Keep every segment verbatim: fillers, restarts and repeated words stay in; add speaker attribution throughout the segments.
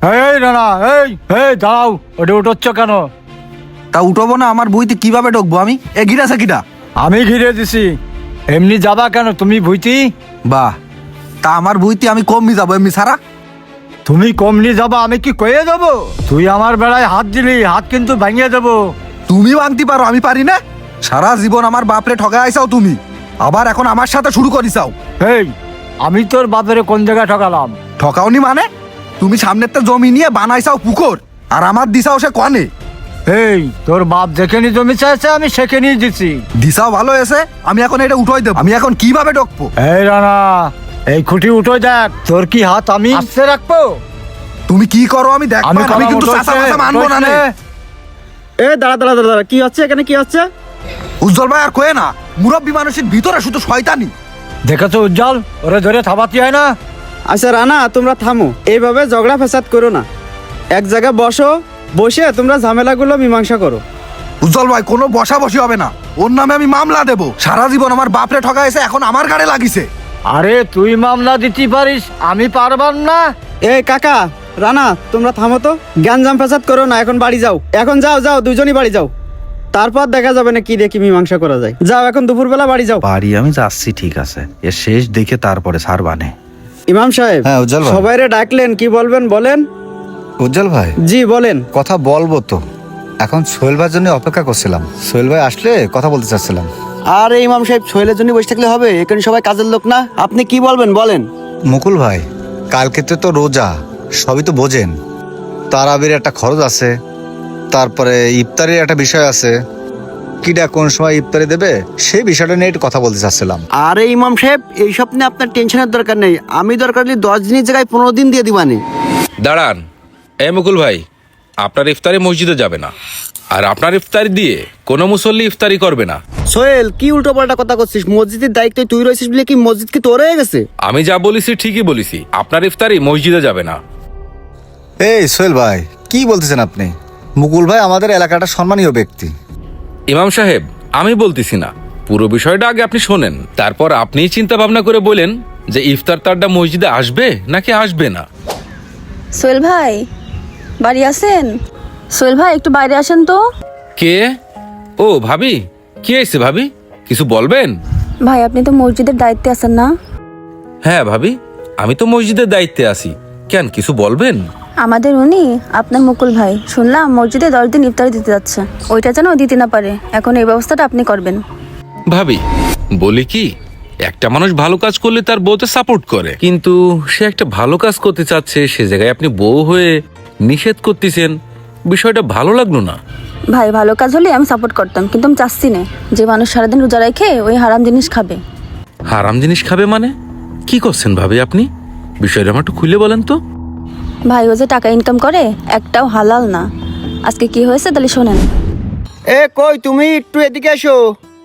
Speaker 1: এই না না এই এই দাও, ওটা উঠোচ্ছ কেন?
Speaker 2: তা উঠবো না? আমার বইতে কিভাবে ঢুকবো আমি? এ গিরাছে কিটা?
Speaker 1: আমি ঘিরে দিছি। এমনি যাবা কেন তুমি ভুইতি?
Speaker 2: বাহ, তা আমার বইতে আমি কমই যাবো এমনি সারা?
Speaker 1: তুমি কমনি যাবা আমি কি কয়ে দেবো? তুই আমার বেলায় হাত দিলি, হাত কিন্তু ভাঙিয়ে দেবো।
Speaker 2: তুমি ভাঙতে পারো, আমি পারি না? সারা জীবন আমার বাপরে ঠগায় আইসাও তুমি, আবার এখন আমার সাথে শুরু করিসাও।
Speaker 1: এই আমি তোর বাপের কোন জায়গায় ঠকালাম?
Speaker 2: ঠকাওনি মানে? তুমি সামনের তো জমি নিয়ে বানাইসাও পুকুর, আর আমার দিশাও সে কনে।
Speaker 1: এই তোর বাপ যেখানে জমি চাইছে আমি সেখানেই দিছি।
Speaker 2: দিশাও ভালো এসে, আমি এখন এটা উঠোই দেবো। আমি এখন কিভাবে ঢুকবো?
Speaker 1: এই রানা, এই খুঁটি উঠো দেখ, তোর কি হাত আমি আস্তে রাখবো?
Speaker 2: তুমি কি করো আমি দেখ,
Speaker 1: আমি
Speaker 2: আমি কিন্তু চাচা মাচা মানবো না নে।
Speaker 3: এ দাঁড়া দাঁড়া দাঁড়া দাঁড়া, কি হচ্ছে এখানে, কি হচ্ছে?
Speaker 2: উজ্জ্বল ভাই আর কয়ে না, মুরব্বী মানুষের ভিতরে শুধু শয়তানি।
Speaker 1: দেখেছো উজ্জ্বল, ওরে ধরে থাবাতি হয় না?
Speaker 3: আচ্ছা রানা, তোমরা থামো, এইভাবে ঝগড়া ফেসাদ করো না। এক জায়গায় বসো, বসে তোমরা ঝামেলাগুলো মীমাংসা করো।
Speaker 2: উজ্জ্বল ভাই কোনো বসা বসি হবে না, ওর নামে আমি মামলা দেবো। সারা জীবন আমার বাপরে ঠকাইছে, এখন আমার গাড়ে লাগিছে।
Speaker 1: আরে তুই মামলা দিতে পারিস, আমি পারবার না?
Speaker 3: এই কাকা, রানা, তোমরা থামো তো, জ্ঞানজাম ফেসাদ করো না, এখন বাড়ি যাও। এখন যাও যাও, দুজনই বাড়ি যাও, তারপর দেখা যাবে না কি দেখি মীমাংসা করা যায়। যাও এখন দুপুরবেলা বাড়ি যাও।
Speaker 2: বাড়ি আমি যাচ্ছি, ঠিক আছে, এর শেষ দেখে তারপরে সার বানে।
Speaker 3: ইমাম সাহেব,
Speaker 4: হ্যাঁ, উজ্জ্বল ভাই।
Speaker 3: সবাইরে ডাকলেন, কি বলবেন বলেন?
Speaker 4: উজ্জ্বল ভাই,
Speaker 3: জি বলেন।
Speaker 4: কথা বলবো তো, এখন সোহেল ভাইয়ের জন্য অপেক্ষা করছিলাম। সোহেল ভাই আসলে কথা বলতে চাচ্ছিলাম।
Speaker 3: আরে ইমাম সাহেব, সোহেলের জন্য বসে থাকলে হবে? এখানে সবাই কাজের লোক না? আপনি কি বলবেন বলেন।
Speaker 4: মুকুল ভাই, কালকে তো রোজা, সবই তো বোঝেন। তারাবির একটা খরচ আছে, তারপরে ইফতারির একটা বিষয় আছে। কিটা কোন সময় ইফতারি দেবে সেই বিষয়টা নিয়ে একটু কথা বলতে চাচ্ছিলাম।
Speaker 3: আরে ইমাম সাহেব, এইসব নিয়ে আপনার টেনশনের দরকার নেই। আমি দরকার হলে দশ দিনের জায়গায় পনেরো দিন দিয়ে দিবানি।
Speaker 5: দাঁড়ান, এ মুকুল ভাই, আপনার ইফতারি মসজিদে যাবে না, আর আপনার ইফতারি দিয়ে কোনো মুসল্লি ইফতারি করবে না।
Speaker 3: সোহেল, কি উল্টো পাল্টা কথা করছিস? মসজিদের দায়িত্ব তুই রয়েছিস বলে কি মসজিদ কি তোর হয়ে গেছে?
Speaker 5: আমি যা বলেছি ঠিকই বলেছি, আপনার ইফতারি মসজিদে যাবে না।
Speaker 4: এই সোহেল ভাই, কি বলতেছেন আপনি? মুকুল ভাই আমাদের এলাকাটা সম্মানীয় ব্যক্তি।
Speaker 5: ইমাম সাহেব, আমি বলতেছি না, পুরো বিষয়টা আগে আপনি শোনেন, তারপর আপনিই চিন্তা ভাবনা করে বলেন যে ইফতার তারটা মসজিদে আসবে নাকি আসবে না।
Speaker 6: সোহেল ভাই, বাড়ি আছেন? সোহেল ভাই, একটু বাইরে আসেন তো।
Speaker 5: কে? ও ভাবি, কি হয়েছে ভাবি, কিছু বলবেন?
Speaker 6: ভাই, আপনি তো মসজিদের দায়িত্বে আছেন না?
Speaker 5: হ্যাঁ ভাবি, আমি তো মসজিদের দায়িত্বে আছি, কেন কিছু বলবেন?
Speaker 6: আমাদের উনি আপনার মুকুল ভাই, শুনলাম মসজিদে দশ দিন ইফতারি দিতে যাচ্ছে, ওইটা যেন দিতে না পারে। এখন এই ব্যবস্থাটা আপনি করবেন।
Speaker 5: ভাবি বলি কি, একটা মানুষ ভালো কাজ করলে তার বউতে সাপোর্ট করে, কিন্তু সে একটা ভালো কাজ করতে চাচ্ছে, সে জায়গায় আপনি বউ হয়ে নিষেধ করতেছেন, বিষয়টা ভালো লাগলো না।
Speaker 6: ভাই, ভালো কাজ হলে আমি সাপোর্ট করতাম, কিন্তু আমি চাচ্ছি না যে মানুষ সারাদিন রোজা রেখে ওই হারাম জিনিস খাবে।
Speaker 5: হারাম জিনিস খাবে মানে কি করছেন ভাবি আপনি? বিষয়টা আমার একটু খুলে বলেন তো।
Speaker 6: ভাই, ও যে টাকা ইনকাম করে একটাও হালাল না। আজকে কি হয়েছে তাহলে শোনেন।
Speaker 3: এ কই তুমি, একটু এদিকে এসো।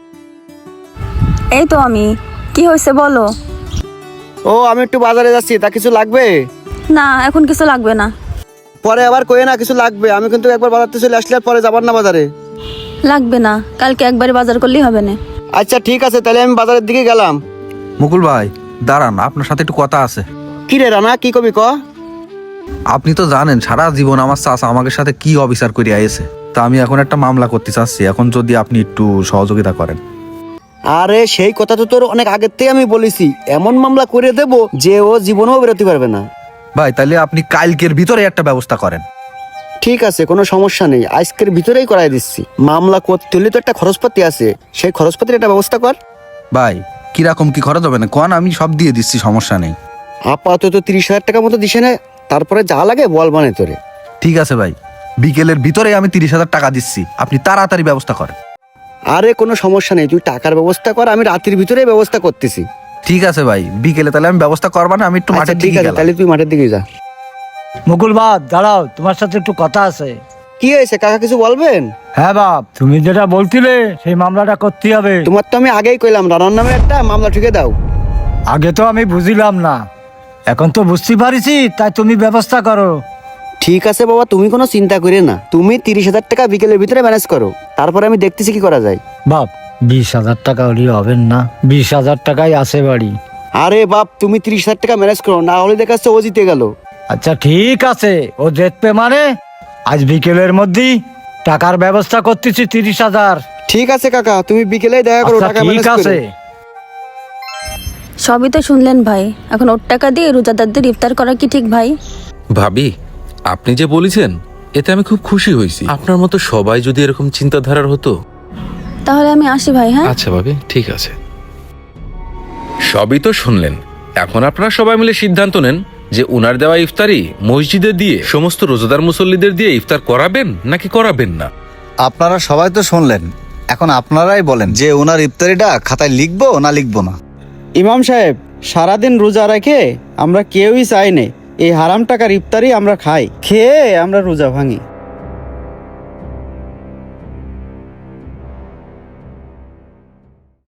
Speaker 6: এই তো আমি। কি হয়েছে বলো।
Speaker 3: ও, আমি একটু বাজারে যাচ্ছি, তা কিছু লাগবে?
Speaker 6: না, এখন কিছু লাগবে না।
Speaker 3: পরে আবার কয়ে না কিছু লাগবে। আমি কিন্তু একবার বাজারতে চলে আসলে আর পরে যাবার না বাজারে।
Speaker 6: লাগবে না, কালকে একবারে বাজার করলেই হবে না।
Speaker 3: আচ্ছা ঠিক আছে, তাহলে আমি বাজারের দিকে গেলাম।
Speaker 2: মুকুল ভাই দাঁড়ান, আপনার সাথে একটু কথা আছে।
Speaker 3: কি রে রানা, কি কবি ক?
Speaker 2: আপনি তো জানেন সারা জীবন আমার চাচা আমাদের সাথে কি অবিচার করে আইছে, তা আমি এখন একটা মামলা করতে চাচ্ছি, এখন যদি আপনি একটু সহযোগিতা করেন।
Speaker 3: আরে সেই কথা তো তোর অনেক আগের থেকে আমি বলেছি, এমন মামলা করে দেব যে ও জীবনেও বেরোতে পারবে না।
Speaker 2: ভাই তাহলে আপনি কালকের ভিতরে একটা ব্যবস্থা করেন।
Speaker 3: ঠিক আছে, কোনো সমস্যা নেই, আজকের ভিতরেই করাই দিচ্ছি। মামলা করতে হলে তো একটা খরচপাতি আছে, সেই খরচপাতির একটা ব্যবস্থা কর।
Speaker 2: ভাই কিরকম কি খরচ হবে না কোন, আমি সব দিয়ে দিচ্ছি, সমস্যা নেই।
Speaker 3: আপাতত তিরিশ হাজার টাকার মতো দিছে না, তারপরে যা লাগে বল মানে তোরে।
Speaker 2: ঠিক আছে ভাই, বিকেলের ভিতরে আমি তিরিশ হাজার টাকা দিচ্ছি, আপনি তাড়াতাড়ি ব্যবস্থা করেন।
Speaker 3: আরে কোনো সমস্যা নেই, তুই টাকার ব্যবস্থা কর, আমি রাতের ভিতরে ব্যবস্থা করতেছি।
Speaker 2: ঠিক আছে ভাই, বিকেলে তাহলে আমি ব্যবস্থা করবা না, আমি একটু
Speaker 3: আচ্ছা,
Speaker 2: মাঠের
Speaker 3: ঠিক
Speaker 2: দিকে
Speaker 3: আছে,
Speaker 2: গেলাম।
Speaker 3: তাহলে তুই মাঠের দিকে যা।
Speaker 1: মুকুল বাপ দাঁড়াও, তোমার সাথে একটু কথা আছে।
Speaker 3: কি হয়েছে কাকা, কিছু বলবেন?
Speaker 1: হ্যাঁ বাপ, তুমি যেটা বলছিলে সেই মামলাটা করতে হবে।
Speaker 3: তোমার তো আমি আগেই কইলাম, রানার নামে একটা মামলা ঠুকে দাও।
Speaker 1: আগে তো আমি বুঝিলাম না, এখন তো বুঝতে পারিছি, তাই তুমি ব্যবস্থা করো।
Speaker 3: ঠিক আছে বাবা, তুমি কোনো চিন্তা করে না, তুমি তিরিশ হাজার টাকা বিকেলের ভিতরে ম্যানেজ করো, তারপরে আমি দেখতেছি কি করা যায়।
Speaker 1: বাপ, বিশ হাজার টাকা হলে হবেন না? বিশ হাজার টাকাই আছে বাড়ি।
Speaker 3: আরে বাপ, তুমি তিরিশ হাজার টাকা ম্যানেজ করো, না হলে দেখা যাচ্ছে ও জিতে গেল।
Speaker 1: আচ্ছা ঠিক আছে, ও দেখবে মানে আজ বিকেলের মধ্যেই টাকার ব্যবস্থা করতেছি তিরিশ হাজার।
Speaker 3: ঠিক আছে কাকা, তুমি বিকেলেই দেখা করো,
Speaker 1: আচ্ছা
Speaker 3: টাকা
Speaker 1: ঠিক
Speaker 3: ম্যানেজ
Speaker 1: আছে।
Speaker 3: করে।
Speaker 6: সবই তো শুনলেন ভাই, এখন ওর টাকা দিয়ে রোজাদারদের ইফতার করা কি ঠিক ভাই?
Speaker 5: ভাবি, আপনি যে বলেছেন এতে আমি খুব খুশি হয়েছি। আপনার মতো সবাই যদি এরকম চিন্তাধারার হতো।
Speaker 6: তাহলে আমি আসি ভাই। হ্যাঁ,
Speaker 5: আচ্ছা ভাবি, ঠিক আছে। সবই তো শুনলেন, এখন আপনারা সবাই মিলে সিদ্ধান্ত নেন যে উনার দেওয়া ইফতারি মসজিদে দিয়ে সমস্ত রোজাদার মুসল্লিদের দিয়ে ইফতার করাবেন নাকি করাবেন না।
Speaker 4: আপনারা সবাই তো শুনলেন, এখন আপনারাই বলেন যে ওনার ইফতারিটা খাতায় লিখবো না লিখবো না।
Speaker 3: ইমাম সাহেব, সারাদিন রোজা রেখে আমরা কেউই চাই না এই হারাম টাকার ইফতারি আমরা খাই, খেয়ে আমরা রোজা ভাঙি।